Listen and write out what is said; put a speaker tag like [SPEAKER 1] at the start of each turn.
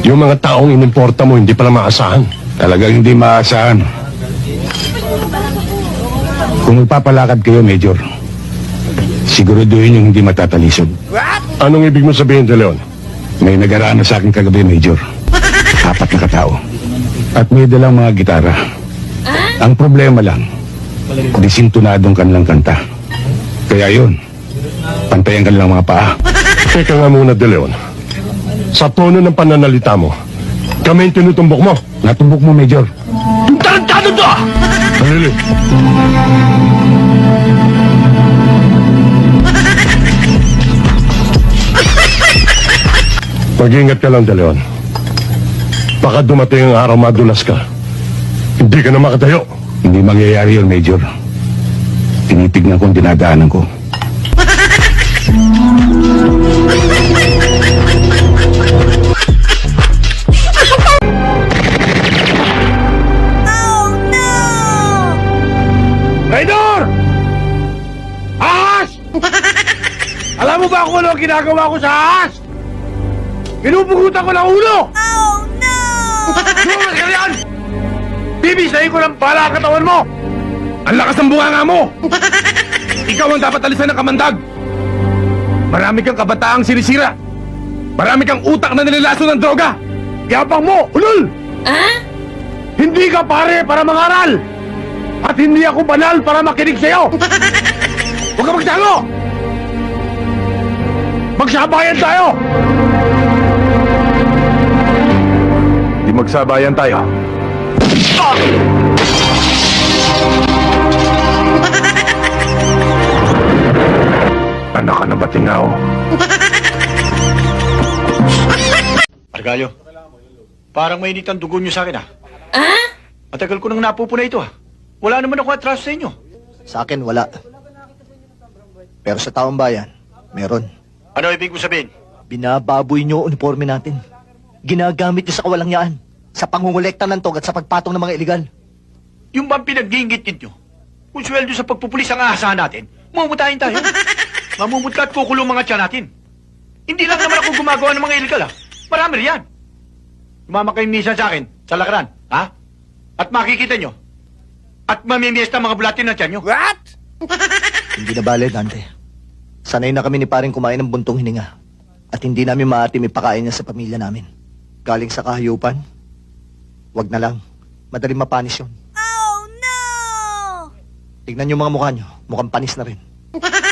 [SPEAKER 1] Yung mga taong inimporta mo, hindi pala maasahan.
[SPEAKER 2] Talagang hindi maasahan. Kung magpapalakad kayo, Major, siguraduhin yung hindi matatalisod.
[SPEAKER 1] Anong ibig mo sabihin, De Leon?
[SPEAKER 2] May nagaraan na sa akin kagabi, Major. 4 na katao. At may dalang mga gitara. Ang problema lang, disintunadong kanilang kanta. Kaya yun, pantayan kanilang mga paa.
[SPEAKER 1] Teka nga muna, De Leon. Sa tono ng pananalita mo, kami yung tinutumbok mo.
[SPEAKER 2] Natumbok mo, Major.
[SPEAKER 1] Yung tarantado to! Halili. Mag-ingat ka lang, De Leon. Baka dumating ang araw madulas ka. Hindi ka na makatayo.
[SPEAKER 2] Hindi mangyayari yun, Major. Tinitignan ko ang dinadaanan ko.
[SPEAKER 3] Raynor! Ahas! Alam mo ba kung ano ang ginagawa ko sa ahas? Pinupugutan ko ng ulo!
[SPEAKER 4] Oh no!
[SPEAKER 3] Lumas ka riyan! Bibisahin ko ng bala ang katawan mo! Ang lakas ng bunganga mo! Ikaw ang dapat alisan ng kamandag! Marami kang kabataang sinisira! Marami kang utak na nililaso ng droga! Yapang mo! Ulol! Hindi ka pare para mangaral! At hindi ako banal para makinig sa'yo! Huwag ka magtago! Magsabayan tayo! Di magsabayan tayo. Anak ka na ba, Tingaw?
[SPEAKER 5] Argalyo, parang mainit ang dugo niyo sa akin, Matagal ko nang napupuna ito, Wala naman ako atraso sa inyo.
[SPEAKER 6] Sa akin, wala. Pero sa taong bayan, meron.
[SPEAKER 5] Ano ibig mo sabihin?
[SPEAKER 6] Binababoy niyo ang uniforme natin. Ginagamit niyo sa kawalangyaan, sa pangungulekta ng tog at sa pagpatong ng mga iligal.
[SPEAKER 5] Yung bang pinag-iingit ninyo? Kung sweldo sa pagpupulis ang aasahan natin, mamumutahin tayo. Mamumutla at kukulong mga tiyan natin. Hindi lang naman ako gumagawa ng mga iligal, Marami riyan. Sumama kayo minsan sa akin, sa lakaran, At makikita nyo. At mamimiesta mga bulatin na tiyan nyo.
[SPEAKER 3] What?
[SPEAKER 6] Hindi na bale, Dante. Sanay na kami ni paring kumain ng buntong hininga. At hindi namin maatim ipakain niya sa pamilya namin. Galing sa kahayupan, wag na lang. Madaling mapanis yun.
[SPEAKER 4] Oh no!
[SPEAKER 6] Tignan niyo mga mukha niyo, mukhang panis na rin.